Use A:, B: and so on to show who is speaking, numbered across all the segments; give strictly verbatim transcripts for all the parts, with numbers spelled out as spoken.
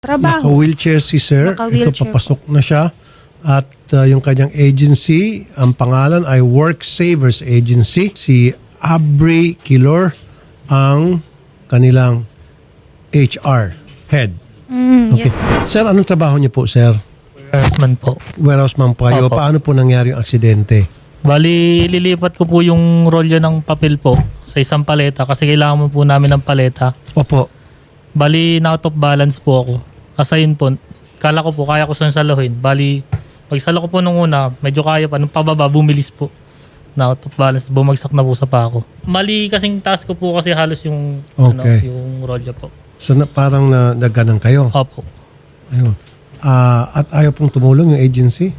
A: Trabaho.
B: Naka-wheelchair si sir.
A: Naka-wheelchair
B: Ito, papasok na siya. At uh, yung kanyang agency, ang pangalan ay Work Savers Agency. Si Abri Kilor ang kanilang H R head.
A: Mm,
B: Okay.
A: yes.
B: Sir, anong trabaho niyo po, sir?
C: Harassment po.
B: Warehouse man po kayo.
C: Opo.
B: Paano po nangyari yung aksidente?
C: Bali, lilipat ko po yung rolyo ng papel po sa isang paleta kasi kailangan mo po namin ng paleta.
B: Opo.
C: Bali, na out of balance po ako. Kasi yun po, kala ko po kaya ko saan saluhin. Bali, pag salo ko po nung una, medyo kaya pa. Nung pababa, bumilis po. Na out of balance, bumagsak na po sa pako. Mali kasing task ko po kasi halos yung, ano,
B: Okay.
C: yung rolyo po.
B: So na, parang na, nagganang kayo.
C: Opo.
B: Ayun. Ah, at ayaw pong tumulong yung agency?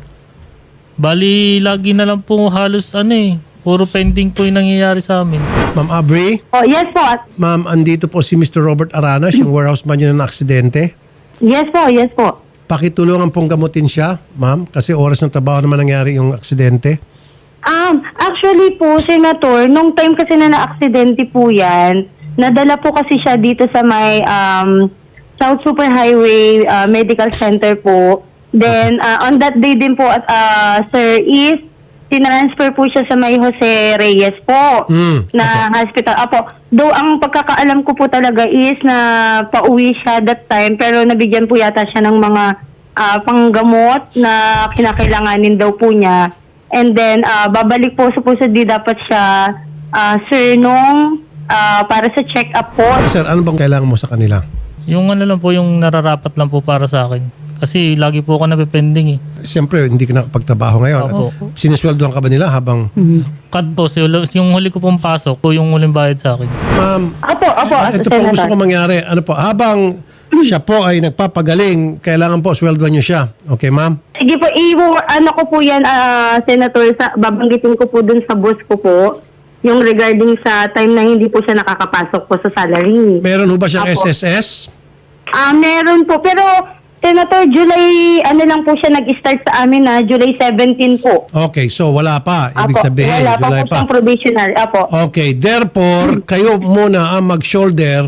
C: Bali, lagi na lang po halos ano eh. Puro pending po yung nangyayari sa amin.
B: Ma'am Abri?
D: Oh, yes po.
B: Ma'am, andito po si Mister Robert Aranas, yung warehouse man yun ng aksidente.
D: Yes po, yes po.
B: Pakitulungan pong gamutin siya, ma'am, kasi oras ng trabaho naman nangyari yung aksidente.
D: Um, actually po, Senator, nung time kasi na na-aksidente po yan, nadala po kasi siya dito sa may um, South Superhighway uh, Medical Center po. Then, uh, on that day din po, at uh, Sir, is tinransfer po siya sa may Jose Reyes po
B: Mm,
D: na hospital. Apo, though ang pagkakaalam ko po talaga is na pauwi siya that time, pero nabigyan po yata siya ng mga ah, panggamot na kinakailanganin daw po niya. And then, ah, babalik po supposedly dapat siya, ah, sir, nung ah, para sa check-up po.
B: Sir, ano bang kailangan mo sa kanila?
C: Yung ano lang po, yung nararapat lang po para sa akin. Kasi lagi po ako napipending eh.
B: Siyempre, hindi ka nakapagtrabaho ngayon.
C: Opo.
B: Sinisweldohan ka ba nila habang...
C: Cut po, so, yung huli ko pong pasok po yung huling bayad sa akin.
B: Ma'am,
D: Apo, apo,
B: ah, ito po ang gusto ko mangyari. Ano po, habang siya po ay nagpapagaling, kailangan po sweldohan niyo siya. Okay, ma'am?
D: Sige po, i- ano ko po yan, ah, Senator, sa, babanggitin ko po dun sa boss ko po, yung regarding sa time na hindi po siya nakakapasok po sa salary.
B: Meron ho ba siyang
D: Apo.
B: S S S?
D: Ah, meron po, pero Senator, July, ano lang po siya nag-start sa amin na July seventeenth po.
B: Okay, so wala pa. Ibig
D: Apo,
B: sabihin,
D: wala pa
B: July
D: po
B: pa.
D: siyang probationary. Apo.
B: Okay, therefore, kayo muna ang mag-shoulder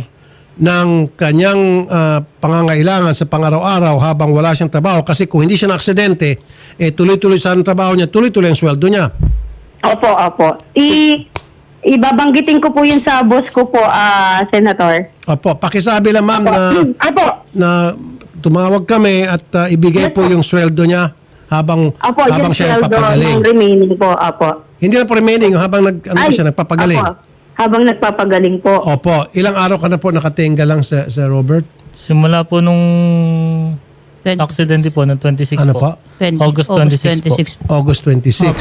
B: ng kanyang ah, pangangailangan sa pang-araw-araw habang wala siyang trabaho. Kasi kung hindi siya na-aksidente, eh, tuloy-tuloy sa trabaho niya, tuloy-tuloy ang sweldo niya.
D: Opo, opo. I, ibabanggitin ko po yun sa boss ko po, ah, Senator.
B: Opo, pakisabi lang ma'am
D: Opo.
B: na,
D: Apo.
B: na tumawag kami at ah, ibigay po yung sweldo niya habang,
D: Opo,
B: habang
D: yung
B: siya
D: sweldo
B: nagpapagaling.
D: ng remaining po, opo.
B: Hindi na po remaining, habang nag, ano po
D: Ay,
B: siya, nagpapagaling.
D: Opo, habang nagpapagaling po.
B: Opo, ilang araw ka na po nakatenga lang sa, sa Robert?
C: Simula po nung accident po, ng twenty-six
B: Ano
C: po.
B: po?
C: August twenty-six po.
B: August twenty-six.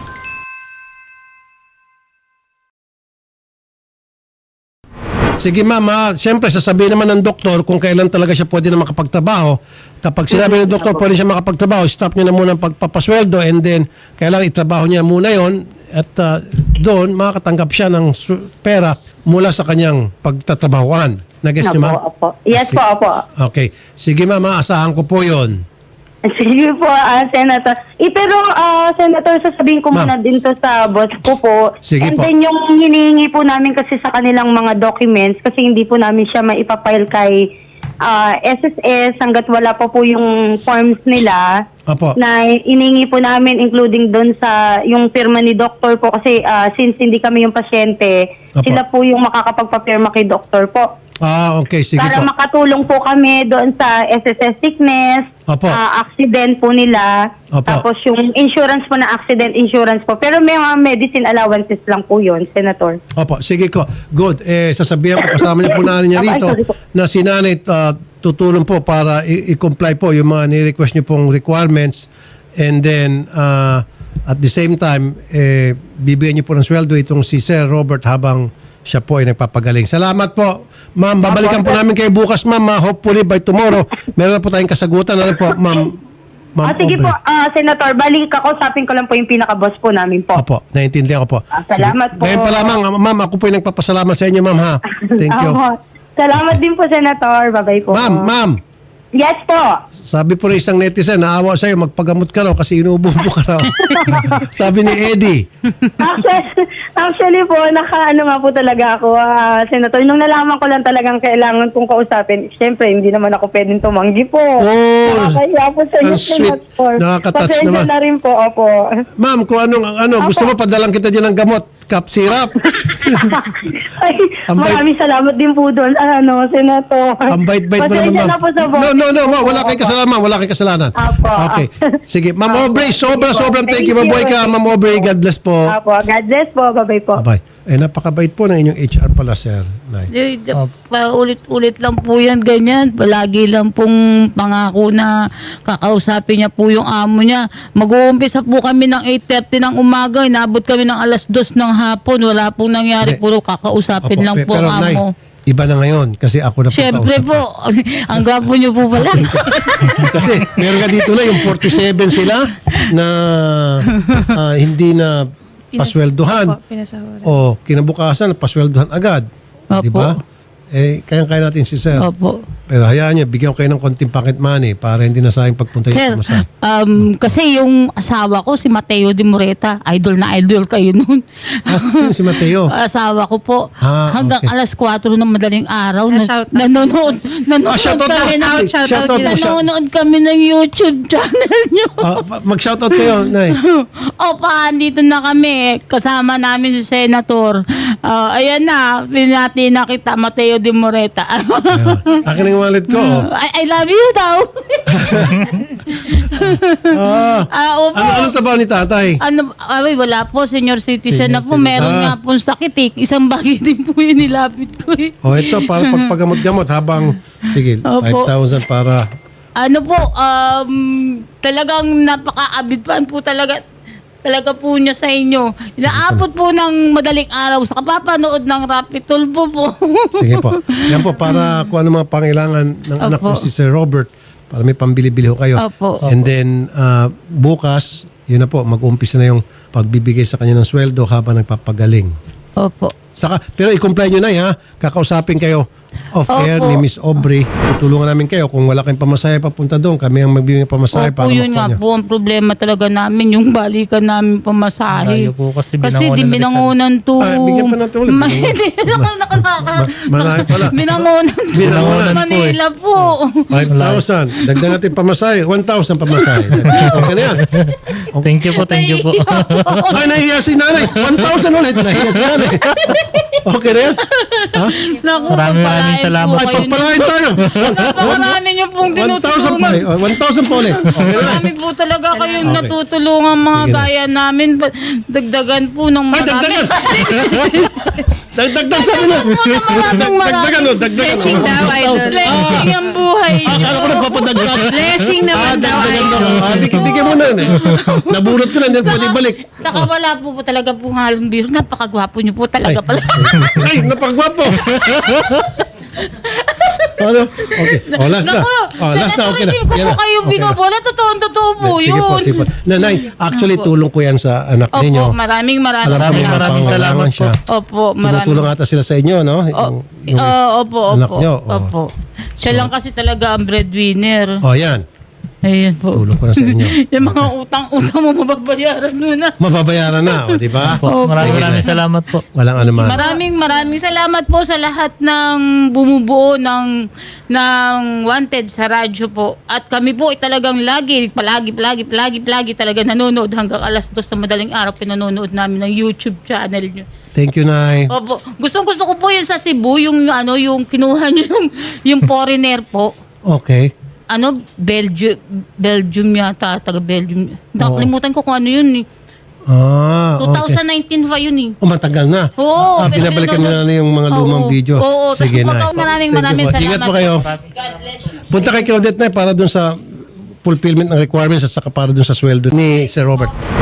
B: Sige ma'am, ha? Siyempre sasabihin naman ng doktor kung kailan talaga siya pwede na makapagtrabaho. Kapag sinabi ng doktor pwede siya makapagtrabaho, stop niyo na muna ang pagpapasweldo and then kailangan itrabaho niya muna yon at uh, doon makakatanggap siya ng su- pera mula sa kanyang pagtatrabahuan. Nag-guess niyo
D: Opo,
B: ma'am?
D: opo. Yes po, opo.
B: Okay. Sige ma'am, ha? Asahan ko po yon.
D: Sige po, ah, Senator. Eh, pero, ah, Senator, sasabihin ko
B: Ma'am.
D: muna din to sa boss ko po.
B: Sige
D: And
B: po.
D: then yung hinihingi po namin kasi sa kanilang mga documents, kasi hindi po namin siya maipapile kay ah, S S S hanggat wala pa po yung forms nila.
B: Opo.
D: Na iningi po namin including doon sa yung firma ni doktor po kasi ah, since hindi kami yung pasyente,
B: Opo.
D: sila po yung makakapagpapirma kay doktor po.
B: Ah, okay. Sige
D: Para
B: po.
D: makatulong po kami doon sa S S S sickness,
B: Opo.
D: ah, accident po nila,
B: Opo.
D: tapos yung insurance po na accident insurance po. Pero may mga medicine allowances lang po yun, Senator.
B: Opo, sige ko. Good. Eh, sasabihan ko kasama niyo po na niya
D: Opo, ay,
B: rito
D: sorry po.
B: na si nanay uh, tutulong po para i- i-comply po yung mga ni-request niyo pong requirements and then uh, at the same time, eh, bibigyan niyo po ng sweldo itong si Sir Robert habang siya po ay nagpapagaling. Salamat po. Ma'am, babalikan po namin kayo bukas, ma'am. Ah, hopefully by tomorrow, meron na po tayong kasagutan. Ano po, ma'am? Ma'am
D: Ah, sige
B: Aubrey.
D: po, ah, Senator, balik kakausapin ko lang po yung pinaka-boss po namin po.
B: Opo, naiintindihan ko po.
D: Ah, salamat
B: Sige.
D: po.
B: Ngayon pa lamang, ah, ma'am, ako po yung nagpapasalamat sa inyo, ma'am, ha? Thank you.
D: Opo. Salamat din po, Senator. Bye-bye po.
B: Ma'am, ma'am.
D: Yes po.
B: Sabi po ng isang netizen, naawa sa'yo, magpagamot ka raw kasi inuubo-ubo ka raw. Sabi ni Eddie.
D: Actually, actually po, naka-ano nga po talaga ako, ah, Senator. Nung nalaman ko lang talagang kailangan kong kausapin, siyempre, hindi naman ako pwedeng tumanggi po.
B: Oh,
D: Nakakaya po sa
B: ang
D: inyo,
B: sweet.
D: Senator.
B: Nakaka-touch
D: Pasensya
B: naman.
D: na rin po, opo.
B: Ma'am, kung anong, ano, gusto mo padalang kita dyan ng gamot, cup syrup.
D: Ay,
B: Ang bait-
D: maraming salamat din po doon, ano, Senator.
B: Ang bait-bait mo naman,
D: Pasensya
B: ma'am.
D: na po sa
B: No, no, no, ma'am, wala kayong
D: Opo.
B: kasalanan, ma'am. Wala kayong kasalanan.
D: Apo.
B: Okay. Sige, Ma'am
D: Apo.
B: Aubrey, sobra,
D: Thank you po.
B: sobrang thank you.
D: Thank
B: Mabuhay
D: you.
B: ka, Ma'am Aubrey. God bless po.
D: Apo, God bless po. Bye-bye po.
B: Bye-bye. Eh, napakabait po ng inyong H R pala, sir. Nay.
A: Eh, d-
C: Opo.
A: Paulit-ulit lang po yan, ganyan. Palagi lang pong pangako na kakausapin niya po yung amo niya. Mag-uumpisa po kami ng eight thirty ng umaga, inabot kami ng alas dos ng hapon. Wala pong nangyari,
B: Hindi.
A: puro kakausapin
B: Opo,
A: lang
B: pe-
A: po
B: pero,
A: ang
B: Nay,
A: amo.
B: iba na ngayon kasi ako na po
A: Siyempre
B: kausap.
A: po, ang gwapo niyo po pala.
B: Kasi meron ka dito na yung forty-seven sila na ah, hindi na pasweldohan.
E: Opo, pinasahuran.
B: O kinabukasan, pasweldohan agad.
A: Opo.
B: Di ba? Eh, kaya-kaya natin si sir.
A: Opo.
B: Pero hayaan niyo, bigyan ko kayo ng konting pocket money para hindi na sayang pagpunta
A: Sir,
B: yung sumasay.
A: um, kasi yung asawa ko, si Mateo de Moreta, idol na idol kayo noon.
B: Ah, sino si Mateo?
A: Asawa ko po.
B: Ah,
A: Hanggang
B: okay.
A: alas kwatro ng madaling araw.
E: Ah,
A: na,
E: shout out.
A: nanonood. Nanonood
B: Ah, shout out
A: kami
B: po.
A: ng,
E: Shout out,
B: Shout out
E: shout
B: po.
E: out.
B: Shout-
A: nanonood kami ng YouTube channel nyo.
B: Ah, pa- mag-shoutout kayo, Nay.
A: Opa, andito na kami. Kasama namin si Senator. Ah, ayan na, pinati na kita, Mateo de Moreta.
B: Ayun. Akin ang wallet ko. Oh.
A: I, I love you daw.
B: Ah,
A: Ah, opo.
B: ano, anong trabaho ni tatay?
A: Ano, ay, wala po, senior citizen na po.
C: Senior
A: Meron
B: citizen.
A: nga pong sakit eh. Isang bagay din po yung nilapit ko eh.
B: O ito, para pagpagamot-gamot habang, sige,
A: Opo.
B: five thousand para,
A: Ano po, um, talagang napaka-abidpan po talaga talaga po niya sa inyo. Inaabot po ng madaling araw sa kapapanood ng Rapid Tulpo po.
B: sige po. Yan po, para kung ano mga pangailangan ng anak ko
A: Opo.
B: si Sir Robert, para may pambili-bili ho kayo.
A: Opo.
B: And then, ah, bukas, yun na po, mag-umpisa na yung pagbibigay sa kanya ng sweldo habang nagpapagaling.
A: Opo.
B: Saka, pero i-comply nyo na ha. Kakausapin kayo off-air
A: Opo.
B: ni Miss Aubrey. Tutulungan namin kayo. Kung wala kayong pamasahe papunta doon, kami ang magbibigay ng pamasahe
A: Opo,
B: para
A: yun
B: makuha
A: nga
B: niyo.
A: po ang problema talaga namin, yung balikan namin pamasahe.
C: Layo po kasi
A: Kasi
C: binangonan
A: di
C: na
A: binangonan to.
B: Ah, bigyan pa natin ulit.
A: Ma- Hindi naman nakalaka.
B: Ma- marami pala.
A: Binangonan to.
B: Binangonan
C: po eh.
A: Manila po.
B: five thousand. Dagdag natin pamasahe. one thousand pamasahe. Okay na yan.
C: Thank you po, thank you po.
B: Ay, nahiya si nanay. one thousand ulit. Nahiya si nanay. Okay na yan. Ha?
A: Naku,
C: Maraming maraming
A: pagpalain
C: salamat.
A: po
B: Ay,
A: kayo.
B: pagpalain tayo.
A: Napakarami niyo pong
B: one thousand pa.
A: tinutulungan.
B: eh. one thousand pa ulit. Okay na yan.
A: Marami po talaga kayong
B: Okay.
A: natutulungan mga
B: Sige na.
A: gaya namin. Ba- Dagdagan po ng
B: Ay,
A: marami.
B: dagdagan. Dagdagan sabi na.
A: po ng maraming marami.
B: Dagdagan o, dagdagan.
E: Blessing
B: o.
E: daw, idol.
A: Blessing ang buhay niyo.
B: Akala ko nagpapadagdag.
E: Blessing
B: Ah,
E: naman daw,
B: dagdagan daw.
E: idol.
B: Ah, bigyan bigyan mo na yun eh. Nabulot ko na, hindi pwede balik.
A: Saka wala po po talaga po halong biro. Napakagwapo niyo po
B: Ay,
A: talaga pala.
B: ay, napakagwapo. Ano? Okay. Oh, last na.
A: Naku,
B: Oh, last na. Okay na.
A: Hindi ko
B: Yan
A: po
B: na.
A: kayo
B: Okay na.
A: binobola. Totoo, totoo po
B: Sige
A: yun.
B: po, sige po. Nanay, actually
A: Opo.
B: tulong ko yan sa anak
A: Opo,
B: ninyo.
A: maraming maraming
B: Alam ko may
C: Maraming
B: mga
C: maraming
B: pangangailangan
C: salamat
B: siya.
A: Opo, maraming.
B: Tumutulong ata sila sa inyo, no?
A: O,
B: Yung, yung,
A: oh, opo,
B: anak
A: opo.
B: nyo, oh.
A: Opo. Siya lang kasi talaga ang breadwinner.
B: oh, yan.
A: Ayun po.
B: Tulong ko na sa inyo.
A: Yung mga utang-utang mo mababayaran mo na.
B: Mababayaran na, o, di ba?
C: Po, maraming maraming salamat po.
B: Walang anuman.
A: Maraming maraming salamat po sa lahat ng bumubuo ng ng Wanted sa radyo po. At kami po ay talagang lagi, palagi, palagi, palagi, palagi talaga nanonood hanggang alas dos na madaling araw pinanonood namin ng YouTube channel nyo.
B: Thank you, Nay.
A: Opo. Gustong gusto ko po yung sa Cebu, yung ano, yung kinuha nyo yung, yung foreigner po.
B: Okay.
A: Ano, Belgium, Belgium yata, taga Belgium. Nakalimutan ko kung ano yun eh.
B: Ah, okay.
A: twenty nineteen pa yun eh.
B: Oh, matagal na.
A: Oo,
B: Ah,
A: pero
B: binabalikan
A: pinanonood-
B: nyo na yung mga lumang
A: Oo,
B: video.
A: oo.
B: Sige,
A: Tapos
B: Nay.
A: maraming maraming
B: Thank you
A: maraming
B: po.
A: salamat.
B: Ingat po kayo.
A: God bless you.
B: Punta kay Claudette, Nay, para dun sa fulfillment ng requirements at saka para dun sa sweldo ni Sir Robert.